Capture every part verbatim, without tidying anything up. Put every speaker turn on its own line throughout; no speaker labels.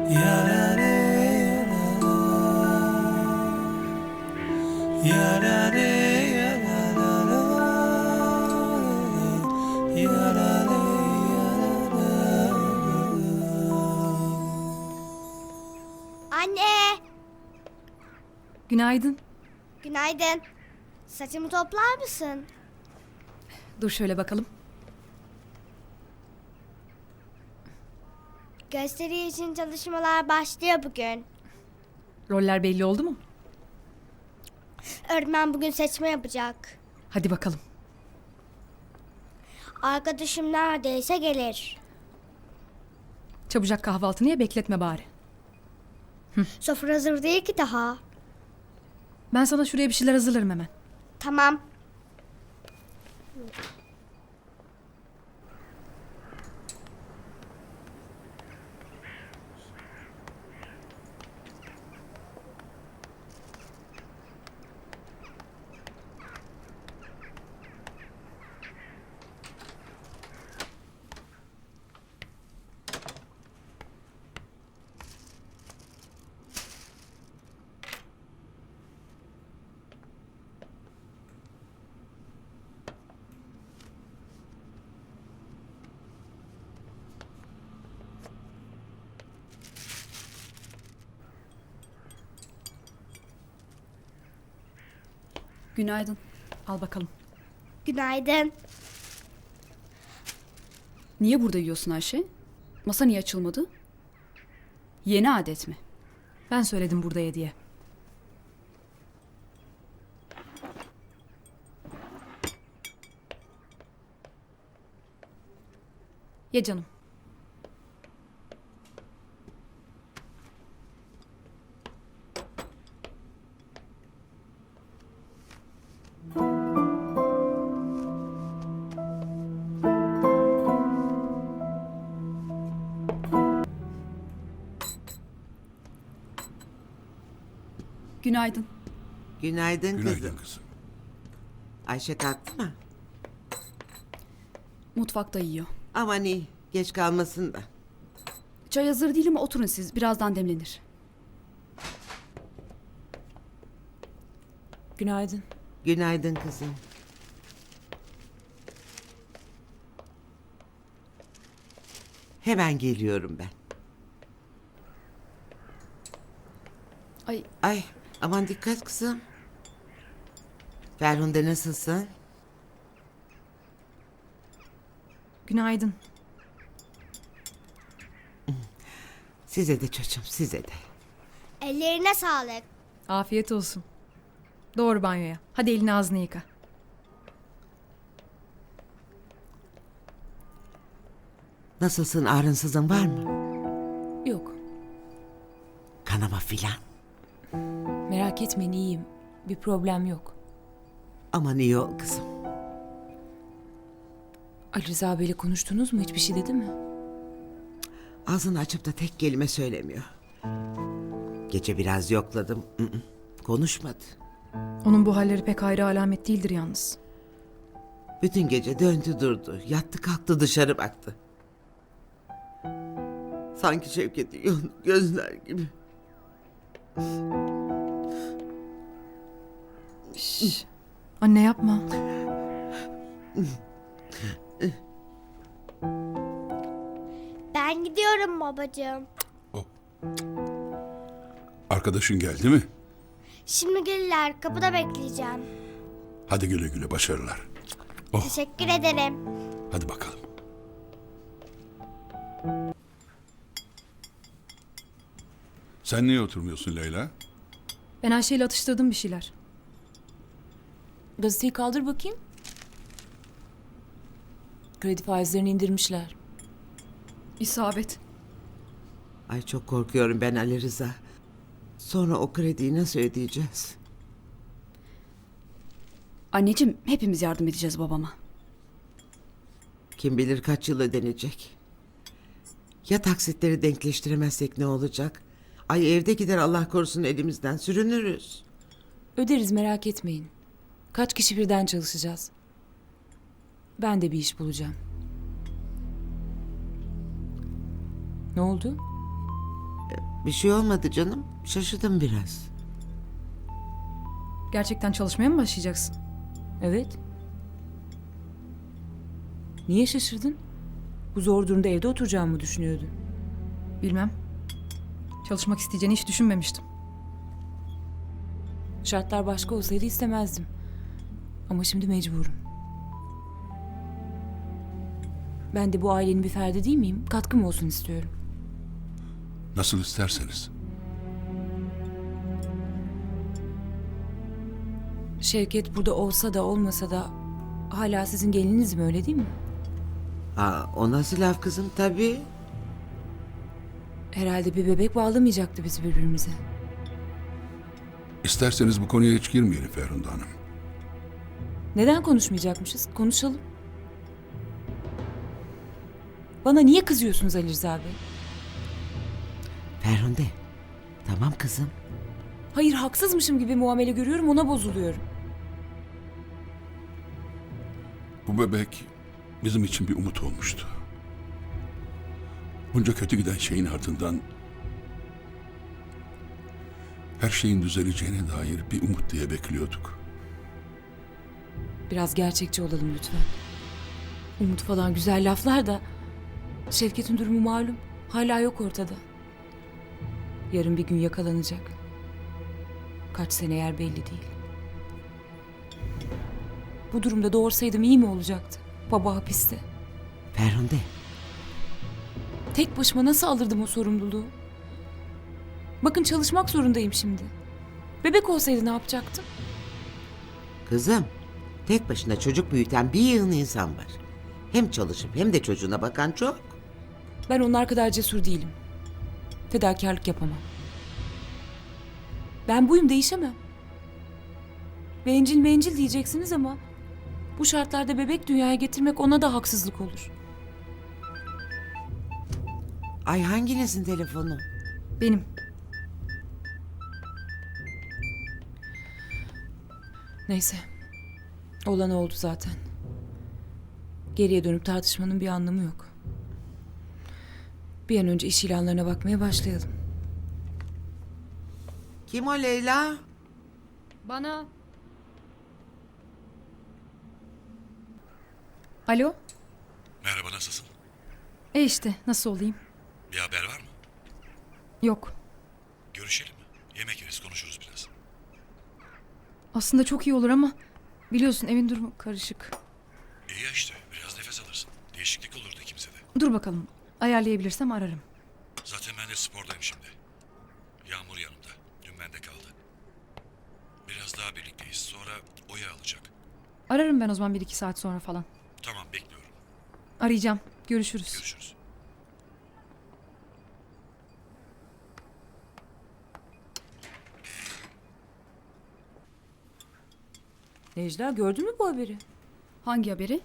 Anne!
Günaydın.
Günaydın. Saçımı toplar mısın?
Dur şöyle bakalım.
Gösteri için çalışmalar başlıyor bugün.
Roller belli oldu mu?
Öğretmen bugün seçme yapacak.
Hadi bakalım.
Arkadaşım neredeyse gelir.
Çabucak kahvaltını ye, bekletme bari.
Sofra hazır değil ki daha.
Ben sana şuraya bir şeyler hazırlarım hemen.
Tamam.
Günaydın. Al bakalım.
Günaydın.
Niye burada yiyorsun Ayşe? Masa niye açılmadı? Yeni adet mi?
Ben söyledim burada ye diye. Ye canım.
Günaydın.
Günaydın,
Günaydın
kızım.
kızım.
Ayşe kalktı mı?
Mutfakta yiyor.
Aman iyi, geç kalmasın da.
Çay hazır değil ama oturun siz. Birazdan demlenir.
Günaydın.
Günaydın kızım. Hemen geliyorum ben.
Ay
Ay, aman dikkat kızım. Ferhunde nasılsın?
Günaydın.
Size de çocuğum, size de.
Ellerine sağlık.
Afiyet olsun. Doğru banyoya. Hadi elini ağzını yıka.
Nasılsın, ağrınsızın var mı?
Yok,
Kanama filan.
merak etmeyin iyiyim. Bir problem yok.
Aman iyi ol kızım.
Ali Rıza Bey'le konuştunuz mu? Hiçbir şey dedi mi?
Ağzını açıp da tek kelime söylemiyor. Gece biraz yokladım. ı ı, Konuşmadı.
Onun bu halleri pek hayra alamet değildir yalnız.
Bütün gece döndü durdu. Yattı kalktı dışarı baktı. Sanki Şevket'in yolunu gözler gibi.
Şş. Anne yapma.
Ben gidiyorum babacığım.
Arkadaşın geldi mi?
Şimdi gelirler. Kapıda bekleyeceğim.
Hadi güle güle, başarılar. Oh,
Teşekkür ederim.
hadi bakalım. Sen niye oturmuyorsun Leyla?
Ben Ayşe ile atıştırdım bir şeyler.
Gazeteyi kaldır bakayım. Kredi faizlerini indirmişler.
İsabet.
Ay çok korkuyorum ben Ali Rıza. Sonra o krediyi nasıl ödeyeceğiz?
anneciğim hepimiz yardım edeceğiz babama.
Kim bilir kaç yıl ödenecek. Ya taksitleri denkleştiremezsek ne olacak? Ay evde gider Allah korusun elimizden sürünürüz.
Öderiz merak etmeyin. Kaç kişi birden çalışacağız? Ben de bir iş bulacağım. Ne oldu?
Bir şey olmadı canım. Şaşırdım biraz.
Gerçekten çalışmaya mı başlayacaksın?
Evet. Niye şaşırdın? Bu zor durumda evde oturacağımı düşünüyordun.
Bilmem. Çalışmak isteyeceğini hiç düşünmemiştim.
Şartlar başka olsaydı istemezdim. Ama şimdi mecburum. Ben de bu ailenin bir ferdi değil miyim? Katkım olsun istiyorum.
Nasıl isterseniz.
Şevket burada olsa da olmasa da hala sizin gelininiz mi, öyle değil mi?
Aa, o nasıl laf kızım? Tabii.
Herhalde bir bebek bağlamayacaktı bizi birbirimize.
İsterseniz bu konuya hiç girmeyelim Ferhunde Hanım.
Neden konuşmayacakmışız? Konuşalım. Bana niye kızıyorsunuz Ali Rıza Bey?
Ferhunde. Tamam kızım.
Hayır, haksızmışım gibi muamele görüyorum, ona bozuluyorum.
Bu bebek bizim için bir umut olmuştu. Bunca kötü giden şeyin ardından her şeyin düzeleceğine dair bir umut diye bekliyorduk.
Biraz gerçekçi olalım lütfen. Umut falan güzel laflar da Şevket'in durumu malum. Hala yok ortada. Yarın bir gün yakalanacak. Kaç sene yer belli değil. Bu durumda doğursaydım iyi mi olacaktı? Baba hapiste.
Ferhunde.
Tek başıma nasıl alırdım o sorumluluğu? Bakın çalışmak zorundayım şimdi. Bebek olsaydı ne yapacaktım?
Kızım. Tek başına çocuk büyüten bir yığın insan var. Hem çalışıp hem de çocuğuna bakan çok.
Ben onlar kadar cesur değilim. Fedakarlık yapamam. Ben buyum, değişemem. Bencil bencil diyeceksiniz ama bu şartlarda bebek dünyaya getirmek ona da haksızlık olur.
Ay hanginizin telefonu?
Benim.
Neyse. Olan oldu zaten. Geriye dönüp tartışmanın bir anlamı yok. Bir an önce iş ilanlarına bakmaya başlayalım.
Kim o Leyla?
Bana... Alo?
Merhaba, nasılsın?
E işte nasıl olayım?
Bir haber var mı?
Yok.
Görüşelim mi? Yemek yeriz, konuşuruz biraz.
Aslında çok iyi olur ama biliyorsun evin durumu karışık.
İyi ya işte, biraz nefes alırsın. Değişiklik olurdu ikimize de.
Dur bakalım. Ayarlayabilirsem ararım.
Zaten ben de spordayım şimdi. Yağmur yanımda. Dün bende kaldı. Biraz daha birlikteyiz. Sonra Oya alacak.
Ararım ben o zaman bir iki saat sonra falan.
Tamam, bekliyorum.
Arayacağım. Görüşürüz.
Görüşürüz.
Necla, gördün mü bu haberi?
Hangi haberi?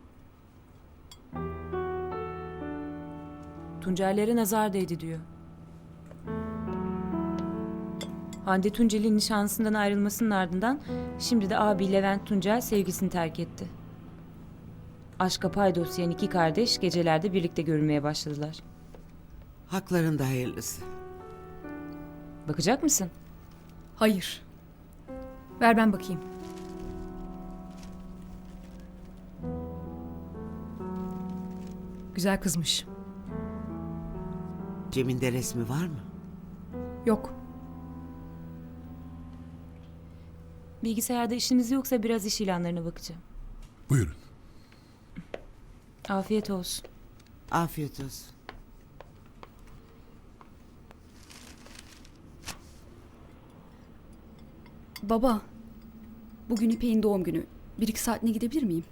Tuncerlere nazar değdi diyor. Hande Tuncel'in nişanlısından ayrılmasının ardından şimdi de abi Levent Tuncel sevgisini terk etti. Aşka paydoslayan iki kardeş gecelerde birlikte görünmeye başladılar.
Haklarında hayırlısı.
Bakacak mısın?
Hayır. Ver ben bakayım. Güzel kızmış.
Cem'in de resmi var mı?
Yok.
Bilgisayarda işiniz yoksa biraz iş ilanlarına bakacağım.
Buyurun.
Afiyet olsun.
Afiyet olsun.
Baba, bugün İpek'in doğum günü. Bir iki saatine gidebilir miyim?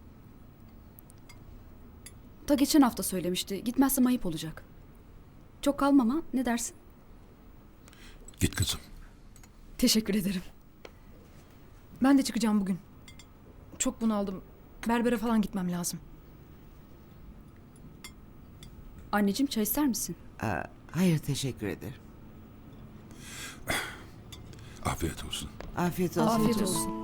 Ta geçen hafta söylemişti. Gitmezsem ayıp olacak. Çok kalmam ha, ne dersin?
Git kızım.
Teşekkür ederim. Ben de çıkacağım bugün. Çok bunaldım. Berbere falan gitmem lazım.
Anneciğim, çay ister misin?
Aa, hayır teşekkür ederim.
Afiyet olsun.
Afiyet olsun.
Afiyet olsun.